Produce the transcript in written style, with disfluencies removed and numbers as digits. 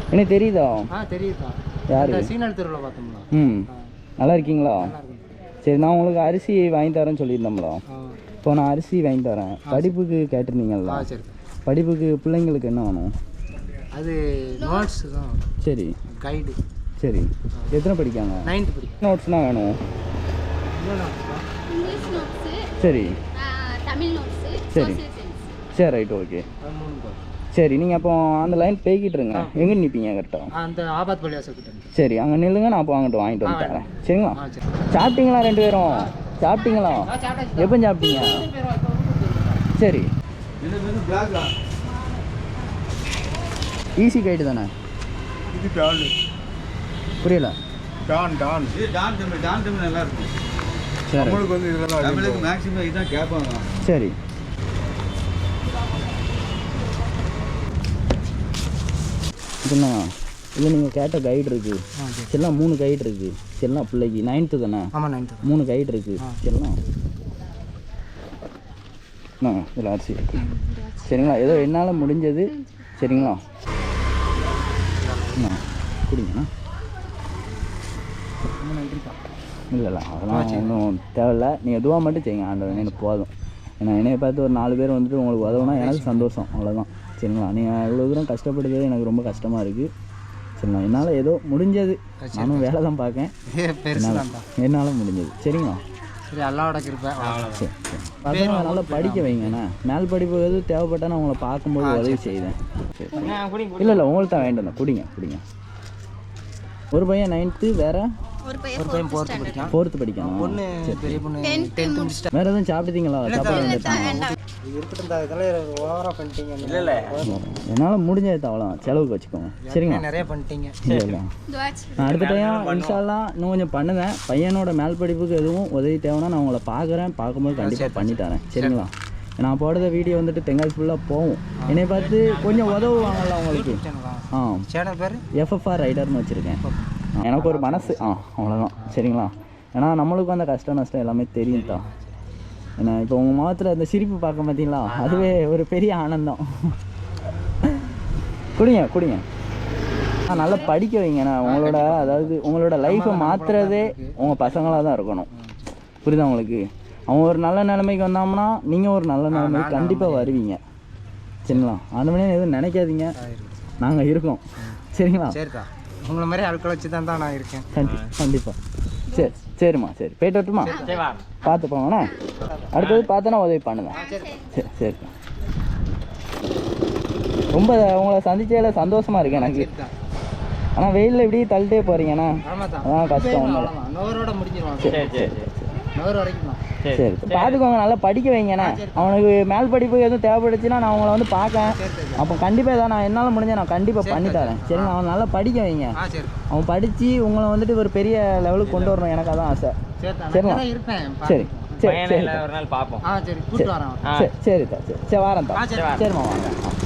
எனக்கு தெரியுதா? தெரியுதா? யாரு? சீனல் தெருவில் பார்த்தோம்ல. நல்லா இருக்கீங்களா? சரி, நான் உங்களுக்கு அரிசி வாங்கி தரேன்னு சொல்லியிருந்தோம்ல. இப்போ நான் அரிசி வாங்கி தரேன். படிப்புக்கு கேட்டிருந்தீங்களா? சரி. படிப்புக்கு பிள்ளைங்களுக்கு என்ன வேணும்? அது நோட்ஸ் தான். சரி. கைடு. சரி, எத்தனை படிக்காங்க? 9th படிக்க. நோட்ஸ்னால் வேணும். சரி சரி சரி, ரைட், ஓகே. சரி, நீங்கள் அப்போ அந்த லைன் போய்கிட்டு இருங்க. எங்கே நிற்பீங்க கரெக்டாக? அந்த ஆபாத் பள்ளியாசல் கிட்ட. சரி, அங்கே நில்லுங்க. நான் அப்போ அங்கிட்டு வாங்கிட்டு வந்து தரேன். சரிங்களா? சாப்பிட்டீங்களா 2 பேரும்? சாப்பிட்டீங்களா? எப்போ சாப்பிட்டீங்க? சரி. ஈஸி கைடு தானே? இது டான். புரியல. Don don. இது டான் தமிழ் நல்லா இருக்கும். சரி, நம்மளுக்கு வந்து இதெல்லாம் தமிழுக்கு மேக்ஸிமம் இதான் கேட்பாங்க. சரி. இதுண்ணா, இது நீங்கள் கேட்ட கைடு இருக்குது. எல்லாம் 3 கைடு இருக்குது. எல்லாம் பிள்ளைக்கு 9th தானே? ஆமாம், 9th. 3 கைடு இருக்குது. எல்லாம் இதில் அரிசி இருக்குது. சரிங்களா? ஏதோ என்னால் முடிஞ்சது. சரிங்களா? குடிங்கண்ணா. இல்லை அதெல்லாம் ஒன்றும் தேவையில்லை. நீங்கள் எதுவாக மட்டும் செய்யுங்க. ஆண்டவன் எனக்கு போதும். ஏன்னா என்னையை பார்த்து ஒரு 4 பேர் வந்துட்டு உங்களுக்கு உதவுனா எனக்கு சந்தோஷம், அவ்வளோதான். சரிங்களா? நீங்கள் இவ்வளோ தூரம் கஷ்டப்படுறது எனக்கு ரொம்ப கஷ்டமாக இருக்குது. சரிங்களா? என்னால் ஏதோ முடிஞ்சது. நானும் வேலை தான் பார்க்கேன். என்னால் முடிஞ்சது. சரிங்களா? சரி, அல்லாவோட கிருபை. சரி சரி. பசங்களை நல்லா படிக்க வைங்கண்ணா. மேல் படிப்பு எதுவும் தேவைப்பட்டா நான் உங்களை பார்க்கும்போது உதவி செய்வேன். சரி. இல்லை உங்களுக்கு தான் வேண்டாம். குடிங்க. ஒரு பையன் 9th, வேறு ஒரு பையன் 4th படிக்கான். 4th படிக்கணும். பொண்ணு, பெரிய பொண்ணு 10th முடிச்சிட்டா. வேறு எதுவும் சாப்பிட்டீங்களா? சாப்பாடு வந்துட்டாங்க. இல்லை என்னால் முடிஞ்சது அவ்வளோ. செலவுக்கு வச்சுக்கோங்க. சரிங்களா? நிறைய பண்ணிட்டீங்க. இல்லை, நான் அடுத்த டைம் இன்ஷால்லாம் இன்னும் கொஞ்சம் பண்ணுவேன். பையனோட மேல் படிப்புக்கு எதுவும் உதவி தேவைன்னா நான் உங்களை பார்க்கும்போது கண்டிப்பாக பண்ணித்தரேன். சரிங்களா? நான் போடுற வீடியோ வந்துட்டு தெங்காசி ஃபுல்லாக போகும். என்னை பார்த்து கொஞ்சம் உதவுவாங்கல்ல உங்களுக்கு. சேனல் பேர் FFR ரைடர்னு வச்சுருக்கேன். எனக்கு ஒரு மனசு அவ்வளோதான். சரிங்களா? ஏன்னா நம்மளுக்கும் அந்த கஷ்டம் நஷ்டம் எல்லாமே தெரியும் தான். ஏன்னா இப்போ உங்கள் முகத்தில் அந்த சிரிப்பு பார்க்க பார்த்தீங்களா, அதுவே ஒரு பெரிய ஆனந்தம். குடிங்க. நல்லா படிக்க வைங்கண்ணா. உங்களோட லைஃப்பை மாற்றுறதே உங்கள் பசங்களாக தான் இருக்கணும். புரியுதா உங்களுக்கு? அவங்க ஒரு நல்ல நிலைமைக்கு வந்தோம்னா நீங்கள் ஒரு நல்ல நிலைமைக்கு கண்டிப்பாக வருவீங்க. சரிங்களா? அந்த மாதிரி எதுவும் நினைக்காதீங்க. நாங்கள் இருக்கோம். சரிங்களா? சரிக்கா, உங்களை மாதிரி ஆட்களை வச்சு தான் நான் இருக்கேன். கண்டிப்பாக. சரிம்மா. சரி, போயிட்டு வரட்டுமா? பார்த்து போங்கண்ணா. அடுத்தது பார்த்தோன்னா உதவி பண்ணுங்க. சரிக்கா. ரொம்ப உங்களை சந்திச்சதில் சந்தோஷமாக இருக்கு எனக்கு. ஆனால் வெயிலில் இப்படி தள்ளிட்டே போகிறீங்கண்ணா, அதான் கஷ்டம். சரி, பார்த்துக்கோங்க. நல்லா படிக்க வைங்கண்ணா. அவனுக்கு மேல் படிப்பு எதுவும் தேவைப்படுச்சுன்னா நான் அவங்கள வந்து பார்க்கேன். அப்போ கண்டிப்பாக ஏதாவது நான் என்னால் முடிஞ்ச நான் கண்டிப்பாக பண்ணித்தரேன். சரிங்க? அவன் நல்லா படிக்க வைங்க. அவன் படித்து உங்களை வந்துட்டு ஒரு பெரிய லெவலுக்கு கொண்டு வரணும். எனக்கு அதான் ஆசை. சரிங்களா? சரி சரி சரி, ஒரு நாள் பார்ப்போம். சரிதா. சரி வரேன். சரிம்மா, வாங்க.